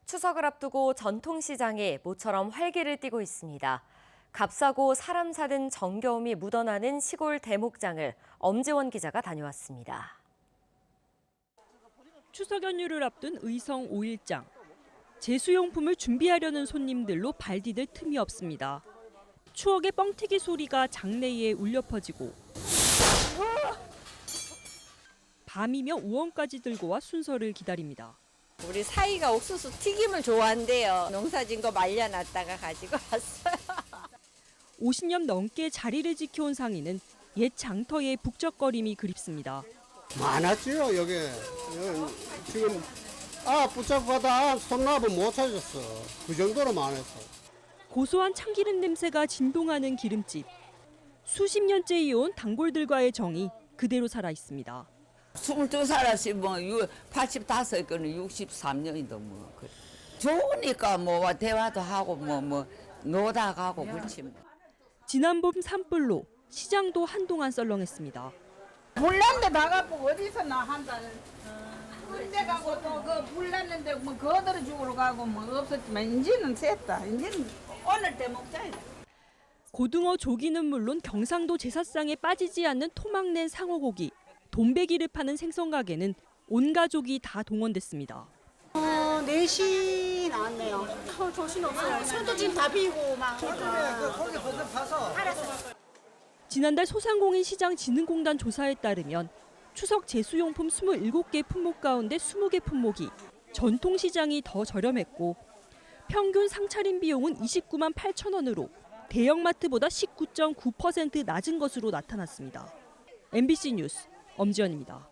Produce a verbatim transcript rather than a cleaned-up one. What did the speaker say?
추석을 앞두고 전통시장에 모처럼 활기를 띠고 있습니다. 값싸고 사람 사는 정겨움이 묻어나는 시골 대목장을 엄지원 기자가 다녀왔습니다. 추석 연휴를 앞둔 의성 오일장. 제수용품을 준비하려는 손님들로 발 디딜 틈이 없습니다. 추억의 뻥튀기 소리가 장내에 울려 퍼지고 밤이면 우원까지 들고 와 순서를 기다립니다. 우리 사이가 옥수수 튀김을 좋아한대요. 농사진 거 말려놨다가 가지고 왔어요. 오십 년 넘게 자리를 지켜온 상인은 옛 장터의 북적거림이 그립습니다. 많았지요, 여기. 여기 지금 아 붙잡고 가다 손나면 못 찾았어. 그 정도로 많았어. 고소한 참기름 냄새가 진동하는 기름집. 수십 년째 이어온 단골들과의 정이 그대로 살아 있습니다. 스물두 살이지 뭐 팔십다섯 거는 육십삼 년이도 뭐 그래. 좋으니까 뭐 대화도 하고 뭐 뭐 노다 가고 그렇지 뭐. 지난 봄 산불로 시장도 한동안 썰렁했습니다. 불났는데 나가고 어디서 나 한다는 군대 가고 또 그 불났는데 뭐 거들어 죽으러 가고 뭐 없었지만 이제는 셌다. 이제는 오늘 대목장이다. 고등어 조기는 물론 경상도 제사상에 빠지지 않는 토막낸 상어고기, 돈베기를 파는 생선 가게는 온 가족이 다 동원됐습니다. 어, 네 시 나왔네요. 어, 정신없어요. 손도 지금 다 비고 막. 거기 거기 파서. 지난달 소상공인 시장진흥공단 조사에 따르면 추석 제수용품 이십칠 개 품목 가운데 이십 개 품목이 전통시장이 더 저렴했고 평균 상차림 비용은 이십구만 팔천 원으로 대형마트보다 십구 점 구 퍼센트 낮은 것으로 나타났습니다. 엠비씨 뉴스 엄지연입니다.